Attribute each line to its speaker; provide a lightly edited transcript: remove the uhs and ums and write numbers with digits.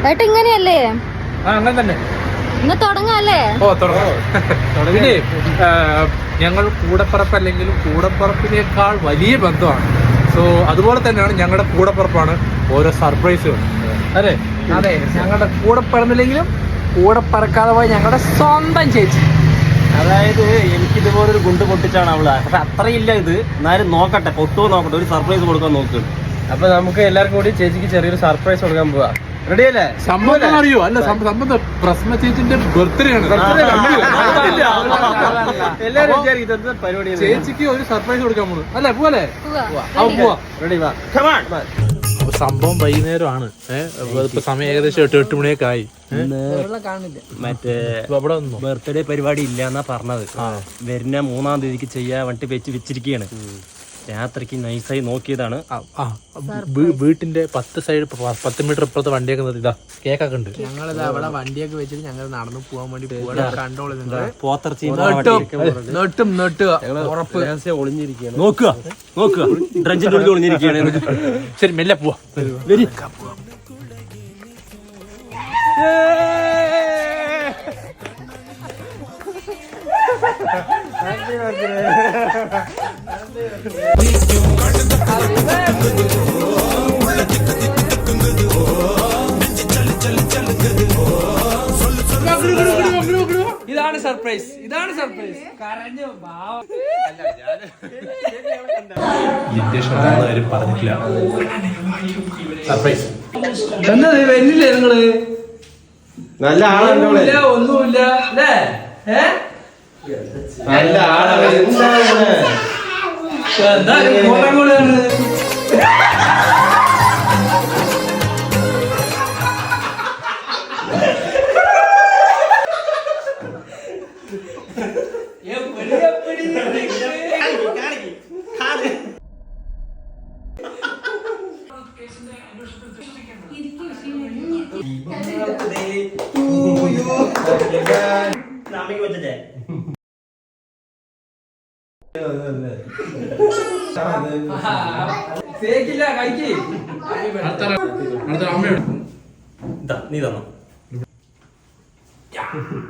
Speaker 1: ഏട്ടാ ഇങ്ങനെയല്ലേ?
Speaker 2: അങ്ങനെ തന്നെ.
Speaker 1: ഇന്ന് തുടങ്ങാല്ലേ?
Speaker 2: ഓ തുടങ്ങി. ഞങ്ങൾ കൂടപ്പറപ്പല്ലെങ്കിലും കൂടപ്പറപ്പിനേക്കാൾ വലിയ ബന്ധമാണ്. സോ അതുപോലെ തന്നെയാണ് ഞങ്ങളുടെ കൂടപ്പറപ്പാണ് ഓരോ സർപ്രൈസുകൾ. അതെ
Speaker 3: അതെ, ഞങ്ങളുടെ കൂടെ പിറന്നില്ലെങ്കിലും കൂടെ പറക്കാതെ പോയ ഞങ്ങളുടെ സ്വന്തം ചേച്ചി.
Speaker 4: അതായത് എനിക്കിതുപോലൊരു ഗുണ്ട് പൊട്ടിച്ചാണ് അവള്. പക്ഷെ അത്രയില്ല ഇത്, എന്നാലും നോക്കട്ടെ, പൊട്ടുമോ നോക്കട്ടെ, ഒരു സർപ്രൈസ് കൊടുക്കാൻ നോക്കുന്നു.
Speaker 3: അപ്പൊ നമുക്ക് എല്ലാവർക്കും കൂടി ചേച്ചിക്ക് ചെറിയൊരു സർപ്രൈസ് കൊടുക്കാൻ പോവാ. റെഡി അല്ലേ?
Speaker 2: സംഭവം അറിയോ? അല്ല, സംഭവം പ്രസ്മ ചേച്ചിന്റെ ബർത്ത്ഡേ ആണ്.
Speaker 3: എല്ലാരും വിചാരിക്കും പരിപാടി.
Speaker 2: ചേച്ചിക്ക് ഒരു സർപ്രൈസ് കൊടുക്കാൻ പോകുന്നു അല്ലേ? പോലെ പോവാ.
Speaker 3: റെഡി വാ.
Speaker 2: സംഭവം വൈകുന്നേരമാണ്. ഇപ്പൊ സമയം ഏകദേശം 8 മണിയൊക്കെ ആയി.
Speaker 4: മറ്റേ ബർത്ത്ഡേ പരിപാടി ഇല്ല എന്നാ പറഞ്ഞത്. വരുന്ന 3-ാം തീയതിക്ക് ചെയ്യാൻ വേണ്ടി വെച്ചിരിക്കുകയാണ്. രാത്രിക്ക് നൈസായി നോക്കിയതാണ്.
Speaker 2: വീട്ടിന്റെ 10 മീറ്റർ ഇപ്പുറത്തെ വണ്ടിയൊക്കെ നിർത്തി ഇതാ കേക്കൊക്കെ ഉണ്ട്.
Speaker 3: ഞങ്ങളിത് അവിടെ വണ്ടിയൊക്കെ വെച്ചിട്ട് ഞങ്ങൾ നടന്നു പോകാൻ വേണ്ടി കൺട്രോൾ
Speaker 4: ഒളിഞ്ഞിരിക്കുകയാണ്. നോക്കുക ഡ്രഞ്ചിന്റെ ഉള്ളിൽ ഒളിഞ്ഞിരിക്കുകയാണ്.
Speaker 2: ശരി, മെല്ലെ പോവാ.
Speaker 3: ഇതാണ് സർപ്രൈസ്. കരഞ്ഞു
Speaker 2: പറഞ്ഞിട്ടില്ല. സർപ്രൈസ്
Speaker 3: എന്നത് വരുന്നില്ലേ നിങ്ങള്?
Speaker 4: നല്ല ആളല്ല,
Speaker 3: ഒന്നുമില്ല അല്ലേ?
Speaker 4: നല്ല ആളാണ്. നീ തന്നോ?